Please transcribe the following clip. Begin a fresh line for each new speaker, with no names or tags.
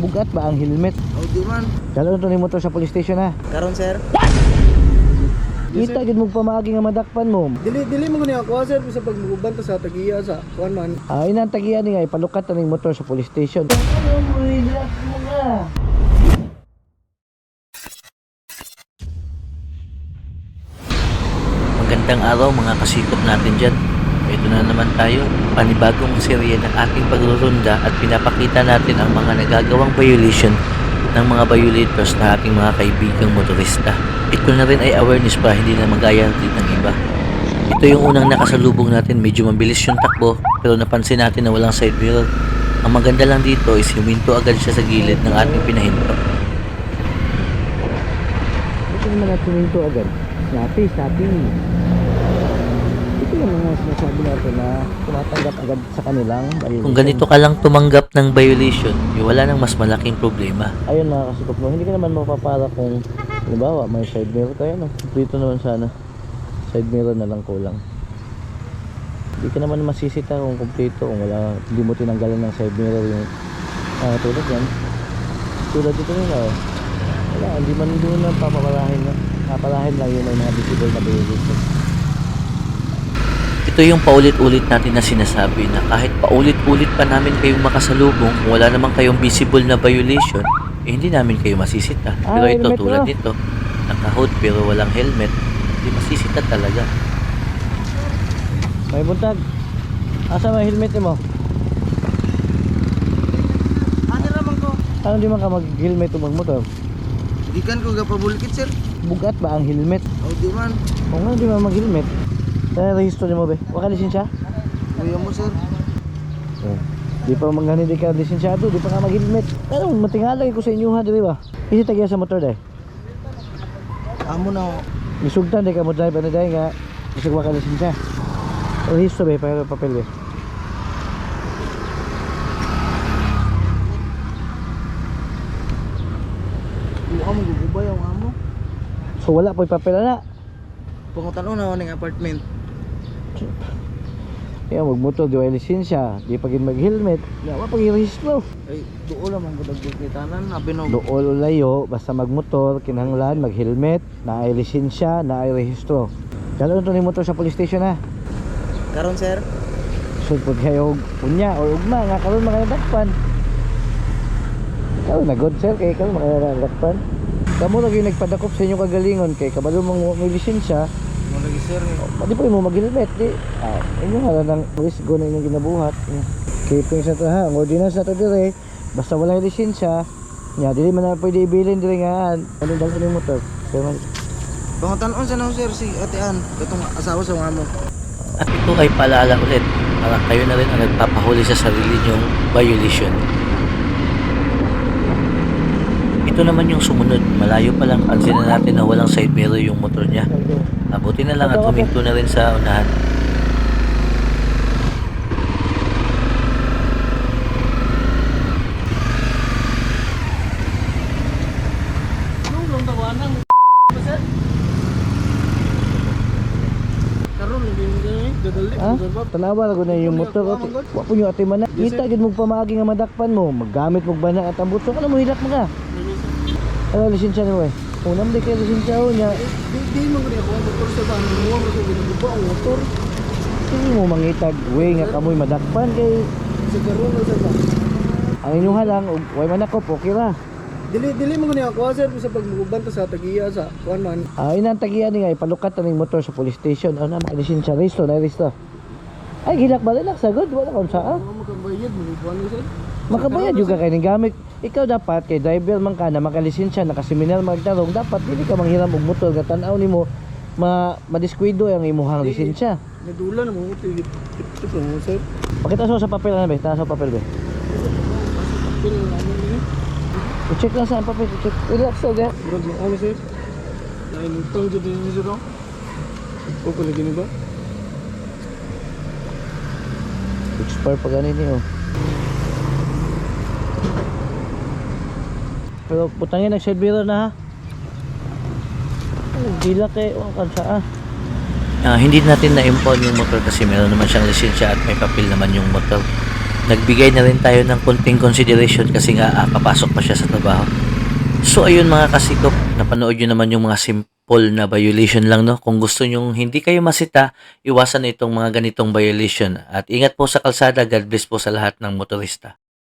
bugat ba ang helmet?
Oh, di man.
Kala to ni motor sa police station ha.
Karon sir.
Kita gid mo pamaagi nga madakpan mo.
Dili mo gani ako sir sa pagmuban ta sa tagiya sa kuan man.
Ay nang tagiyan ni nga ipalukat ta ning motor sa police station. Ano mo relax mo nga.
Magandang araw mga kasikop natin dyan. Ito na naman tayo, panibagong serye ng ating pagrurunda at pinapakita natin ang mga nagagawang violation ng mga violators na ating mga kaibigang motorista. Ito na rin ay awareness para hindi na magaya din ng iba. Ito yung unang nakasalubong natin, medyo mabilis yung takbo pero napansin natin na walang side mirror. Ang maganda lang dito is huminto agad siya sa gilid ng ating pinahinto.
Ito naman natin huminto agad. Snappy. Ito yung mga sinasabi natin na tumatanggap agad sa kanilang violation.
Kung ganito ka lang tumanggap ng violation, wala nang mas malaking problema.
Ayun mga kasikop mo, hindi ka naman mapapara kung halimbawa may side mirror tayo no. Dito naman sana side mirror na lang kulang. Hindi ka naman masisita kung kumpleto kung wala, hindi mo tinanggalan ng side mirror yung tulad yan. Tulad dito nila oh. Wala, hindi man doon na papapalahin na. Papalahin lang yun ay mga visible na violation.
Ito yung paulit-ulit natin na sinasabi na kahit paulit-ulit pa namin kayong makasalubong, kung wala naman kayong visible na violation, hindi namin kayo masisita. Pero ito
helmet
tulad
na.
nito, naka-hood pero walang helmet, hindi masisita talaga.
May buntag. Asa may helmet mo?
Ano naman ko?
Ano di man ka mag-helmet o magmotor?
Gikan ko gapabulikit sir.
Bugat ba ang helmet?
Oh, di man.
Kung nga di man mag-helmet, kaya rehistro ni mo be? Waka lisensya?
Kuya mo sir.
Oh. Di pa manggani di ka lisensyado, di pa nga mag-helmet. Pero matingala ko sa inyo ha, di ba? Isi tagya sa motor dahil.
Amo na.
Misugtan di ka mo drive na dahil nga isag waka lisensya. Rehistro be, para papel be.
Buka mo gugubay ang amo.
So wala po papel na.
Pangutan na ning apartment.
Kaya magmotor di wala lisensya, di pa gid mag-helmet. Wala pa i-rehistro.
Ay, duo naman ko dagbukitanan, abi no.
Dool o layo, basta magmotor, kinahanglan, mag-helmet, na ay lisensya, na ay rehistro. Kala to ni motor sa police station ha.
Karon sir.
Sulpod kayo unya o ugma nga karon makadakpan. Karon na good sir kay karon makadakpan. Kamo lagi nagpadakop sa inyong kagalingon kay kabalo mong may lisensya.
Mo lagi sir.
Di pa mo mag-helmet di. Inyo hala nang risk go na inyong ginabuhat. Keeping sa to ha, ang ordinance na to dire, basta wala lisensya, nya dili man na pwede ibilin dire nga ano daw sa motor. Kaya man
Pangutan sa na sir si Ate Ann, katong asawa sa amo.
At ito ay paalala ulit, para kayo na rin ang nagpapahuli sa sarili nyong violation. Ito naman yung sumunod, malayo pa lang pansin na natin na walang side mirror yung motor niya. Abuti na lang at huminto na rin sa unahan.
Karon hindi mo gani dadali.
ha? Tanawa na na yung motor ko. Wa po yung ate man. Kita gid mo pamaagi nga madakpan mo, maggamit mo bana at ambot so kana mo hilak mo ka. Ano lisensya ni way? Unam di kay lisensya ho nya.
Di mo gani ako ang motor sa van mo mo ko ginabuba ang motor.
Hindi mo mangitag way nga kamoy madakpan kay
Sa karon na sa van.
ang inyong halang ug way manakop okay ra.
Dili mo gani ako sir sa pagmuban ta sa tagiya sa kuan man.
Ay nang tagiyan ni nga ipalukat ta ning motor sa police station. Ano na lisensya resto na resto. Ay hilak ba lang sagod wala kon saa.
Ano mo kabayad mo kuan ni sir?
Makabayad juga kay ning gamit. Ikaw dapat kay driver man ka na makalisensya nakaseminar magtarong dapat dili ka manghiram og motor nga tan-aw nimo madiskwento ang imuhang lisensya.
Nadula na mo ito mo sir.
Pakita sa papel na be, taas sa papel be.
Pil ano ni?
I-check lang sa ang papel, i-check. Relax so ga.
Bro, ano sir? Lain utang jud ni sir. O ko lagi ni ba?
Expire pa ganin ni oh. Pero putangin nag side mirror na ha. Dila kay o kan saa.
Hindi natin na-impound yung motor kasi meron naman siyang lisensya at may papel naman yung motor. nagbigay na rin tayo ng konting consideration kasi nga papasok pa siya sa trabaho. So ayun mga kasikop, napanood nyo naman yung mga simple na violation lang, no? Kung gusto nyo hindi kayo masita, iwasan itong mga ganitong violation. At ingat po sa kalsada, God bless po sa lahat ng motorista.